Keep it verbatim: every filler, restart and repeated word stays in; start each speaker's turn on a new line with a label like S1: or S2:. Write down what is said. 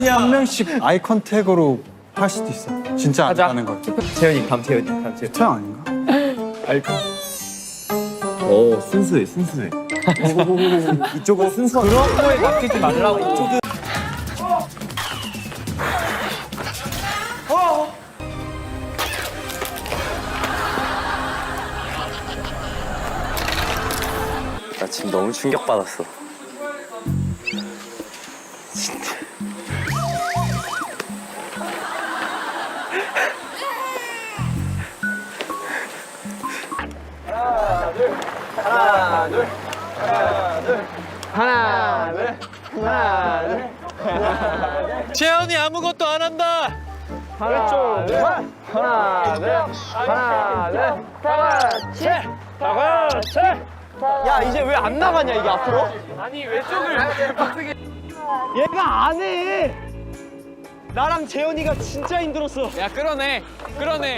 S1: 한 명씩 아이 컨택으로 할 수도 있어. 진짜 안 하는 걸.
S2: 재현이 감 재현이 감 재현이.
S1: 태양 아닌가?
S2: 알까? 오 순수해 순수해. 이쪽은 순수. 그런 거에 맡기지 말라고. 이쪽은. 나 지금 너무 충격받았어. 진짜.
S3: 재현이 아무것도 안 한다.
S2: 하나, 둘, 하나, 둘, 하나, 둘, 다 같이, 다 같이. 야 이제 왜 안 나가냐 이게 앞으로?
S3: 아니 왼쪽을 빡세게.
S2: 얘가 안 해. 나랑 재현이가 진짜 힘들었어.
S3: 야 끌어내, 끌어내.